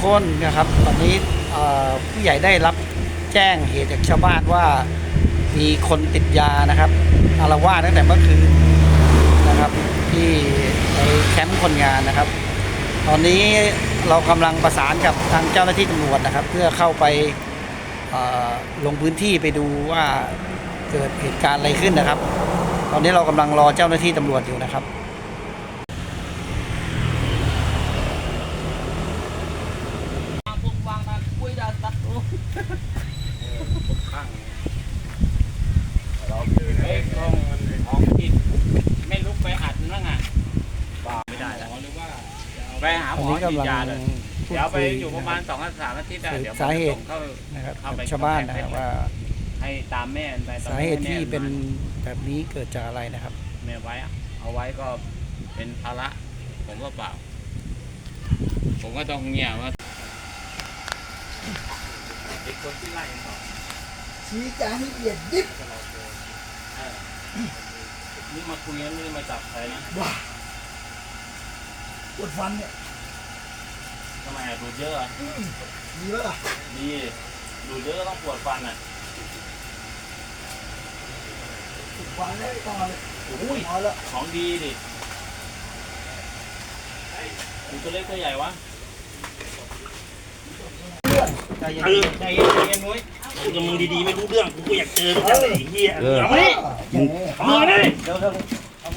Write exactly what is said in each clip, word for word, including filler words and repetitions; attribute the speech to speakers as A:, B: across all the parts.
A: คนนะครับตอนนี้ผู้ใหญ่ได้รับแจ้งเหตุจากชาวบ้านว่ามีคนติดยานะครับอาละวาดตั้งแต่เมื่อคืนนะครับที่ในแคมป์คนงานนะครับตอนนี้เรากำลังประสานกับทางเจ้าหน้าที่ตำรวจนะครับเพื่อเข้าไปลงพื้นที่ไปดูว่าเกิดเหตุการณ์อะไรขึ้นนะครับตอนนี้เรากำลังรอเจ้าหน้าที่ตำรวจอยู่นะครับ
B: เราเอ้ยกล้องมันของที่ไม่ลุกไปอัดนั่งอ่ะไม่ได้แล้วหรือว่าไปหาหมอฉีดยาเลยเดี๋ยวไปอยู่ประมาณสองสามอาทิตย์เดี๋ยว
A: สาเหตุ
B: เข้า
A: นะครับชาวบ้านนะครับว่า
B: ให้ตามแม่ไป
A: สาเหตุที่เป็นแบบนี้เกิดจากอะไรนะครับ
B: แม่ไว้เอาไว้ก็เป็นภาระผมก็เปล่าผมก็ต้องเงี่ยว่าเด็กคนที่ไล่ต่อ
C: ชี้จาให้ละเอียดยิบ
B: นี่มาคุยกันไม่ได้มาจับใครนะ
C: ว้าปวดฟันเนี่ย
B: ทำไมดูดเยอะอ่ะ
C: ดีป่ะล่ะ
B: ดีดูดเยอะก็ต้องปวดฟันอ่ะ
C: ปวดฟันเลยต่อเลย
B: โอ้ยของดีดิคุณตัวเล็กตัวใหญ่วะใจเย็นใจเย็นใจเย็นนุ้ย
D: กับมึงดีๆไม่รู้เรื่องกูก็อยากเจอไอ้เหี้ยเอามาดิเอามาดิ
B: เดี๋ยวเดี๋ยว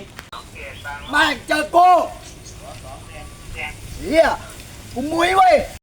C: แม่งเจอกูเฮียกูมุ้ยเว้ย